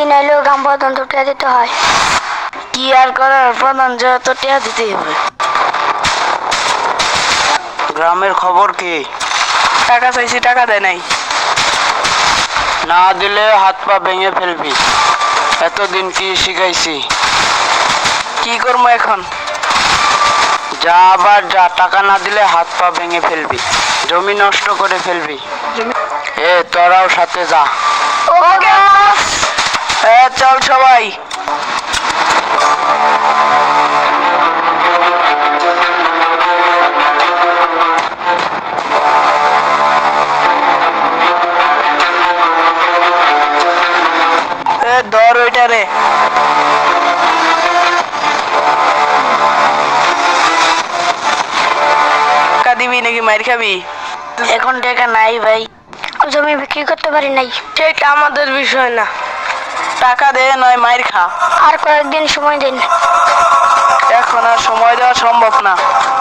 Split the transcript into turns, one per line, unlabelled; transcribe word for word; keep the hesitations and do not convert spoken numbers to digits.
দিন এলেও গ্রাম প্রধান তো টিয়া দিতে হয়।
কি আর করার, প্রধান যেহেতু টিয়া দিতেই হবে।
গ্রামের খবর কি?
টাকা চাইছি, টাকা দেয় নাই।
না দিলে হাত পা ভেঙে ফেলবি। এতদিন কি শিখাইছি?
কি করবো এখন?
যা আবার যা, টাকা না দিলে হাত পা ভেঙে ফেলবি, জমি নষ্ট করে ফেলবি। এ তোরাও সাথে যা।
ওকে বস।
এ চল সবাই। এ ধর ওইটা রে। টাকা দিবি নাকি মাইর খাবি?
এখন টাকা নাই ভাই।
জমি বিক্রি করতে পারি নাই।
সেটা আমাদের বিষয় না, টাকা দে নয় মাইর খা।
আর কয়েকদিন সময় দিন।
এখন আর সময় দেওয়া সম্ভব না।